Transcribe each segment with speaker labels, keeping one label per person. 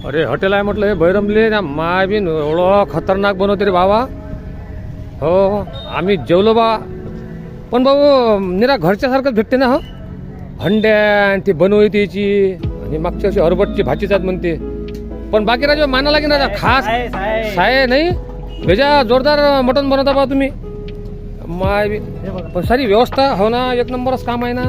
Speaker 1: अरे हॉटेल आहे म्हटलं हे बैरमले ना माय बी एवढं खतरनाक बनवते रे बाबा. हो आम्ही जेवलो बा, पण भाऊ निरा घरच्यासारखंच भेटते ना. हो हंड्या आणि ती बनवली त्याची आणि मागच्या वर्षी हरभटची भाजीच आहेत म्हणते. पण बाकी राजा माना लागेल ना खास साय नाही भेजा जोरदार मटण बनवता बा तुम्ही माय बी. पण सारी व्यवस्था हो ना एक नंबरच काम आहे ना.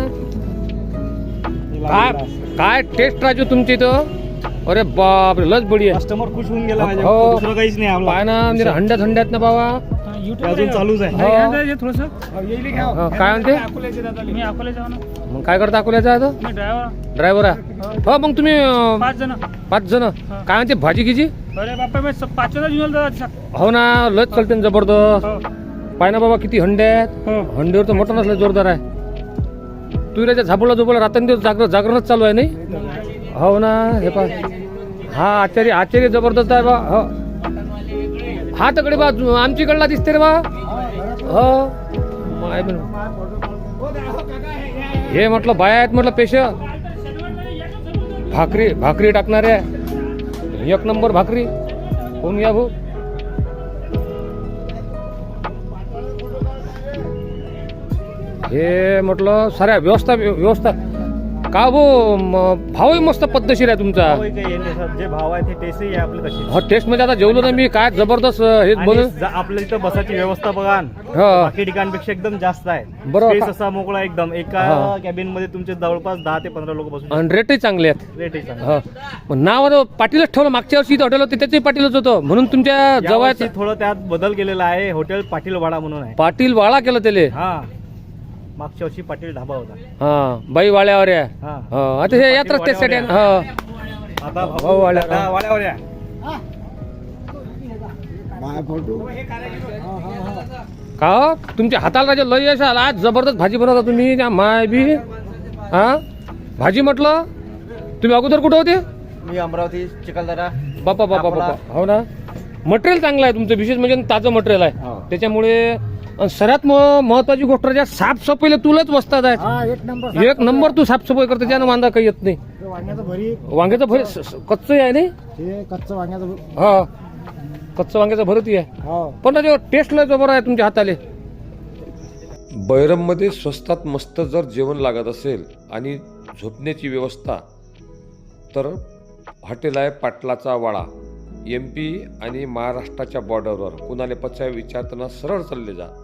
Speaker 1: काय काय टेस्ट राजू तुमची इथं. अरे बाप रे लस बढिया.
Speaker 2: कस्टमर खुश होऊन गेला माझ्या.
Speaker 1: हो.
Speaker 2: दुसरं काहीच नाही आपलं.
Speaker 1: पाय ना निरा हंड्यात हंड्यात ना बाबा.
Speaker 2: अजून चालूच आहे.
Speaker 1: हो. काय म्हणते
Speaker 3: मी अकोले जाऊ ना.
Speaker 1: मग काय करता अकोल्याचा आता
Speaker 3: मी
Speaker 1: ड्रायव्हर आहे. हो मग तुम्ही
Speaker 3: 5 जण.
Speaker 1: 5 जण काय म्हणते भाजी किची.
Speaker 3: अरे बापा मी 5 जण घेऊन जातो.
Speaker 1: हो ना लस चालते ना जबरदस्त. पाय ना बाबा किती हंड्यात. हंडीवर तर मटण असलं जोरदार आहे. तू त्याच्या झापडला झोपला रात्रंदिवस जागरणच चालू आहे नाही. हो ना हे पा हा आचार्य जबरदस्त आहे बा. हो हा तकडे बा आमच्याकडला दिसते रे बा. हो हे म्हटलं बाया आहेत म्हटलं पेश भाकरी टाकणारे एक नंबर भाकरी होऊन घ्या भाऊ. हे म्हटलं साऱ्या व्यवस्था का भाऊ भावही मस्त पद्धतशीर आहे तुमचा.
Speaker 2: जे भाव आहे ते टेस्टही आहे आपले तशी.
Speaker 1: हो टेस्ट मध्ये आता जेवलो ना मी काय जबरदस्त हेच बनवून.
Speaker 2: आपल्या इथं बसाची व्यवस्था बघा
Speaker 1: हो
Speaker 2: बाकी ठिकाणपेक्षा एकदम जास्त आहे.
Speaker 1: बरोबर.
Speaker 2: Space असा मोकळा एकदम. एका कॅबिन मध्ये तुमचे जवळपास 10 ते 15 लोक बसू.
Speaker 1: आणि रेटही चांगले आहेत.
Speaker 2: रेटही चांगला.
Speaker 1: हो नाव आता पाटीलच ठेवलं. मागच्या वर्षी हॉटेल होते त्याचंही पाटीलच होतं म्हणून तुमच्या जवळ
Speaker 2: थोडं त्यात बदल केलेला आहे. हॉटेल पाटील वाडा म्हणून आहे.
Speaker 1: पाटील वाळा केलं त्याले.
Speaker 2: हा मागच्या वर्षी पाटील ढाबा होता.
Speaker 1: हा बाई वाड्यावर आहे.
Speaker 2: हा
Speaker 1: हो आता हे यात्रा त्यासाठी आहे. हो
Speaker 2: आता
Speaker 1: भाऊ वाड्या
Speaker 2: वाड्यावर या.
Speaker 1: का हो? तुमच्या हाताला राजा लय यश आला. आज जबरदस्त भाजी बनवता तुम्ही त्या माय बी. हा भाजी म्हटलं तुम्ही अगोदर कुठं होते.
Speaker 2: मी अमरावती चिखलदरा.
Speaker 1: बापा बापा बापा हो ना. मटेरियल चांगलं आहे तुमचं विशेष म्हणजे ताजं मटेरियल आहे त्याच्यामुळे. सर्वात महत्वाची गोष्ट म्हणजे साफसफाईला तुलाच वस्तात आहे. एक नंबर तू साफसफाई करते त्यानं वांदा काही येत नाही. वांग्याचं भरीत कच्चं आहे नाही.
Speaker 2: कच्चं वांग्याचं.
Speaker 1: हा कच्चं वांग्याचं भरतही आहे. पण टेस्ट लय जबर आहे तुमच्या हाताले. बैरममध्ये स्वस्तात मस्त जर जेवण लागत असेल आणि झोपण्याची व्यवस्था तर हॉटेल आहे पाटलाचा वाडा. MP आणि महाराष्ट्राच्या बॉर्डरवर. कुणाला पचाय विचारताना सरळ चालले जा.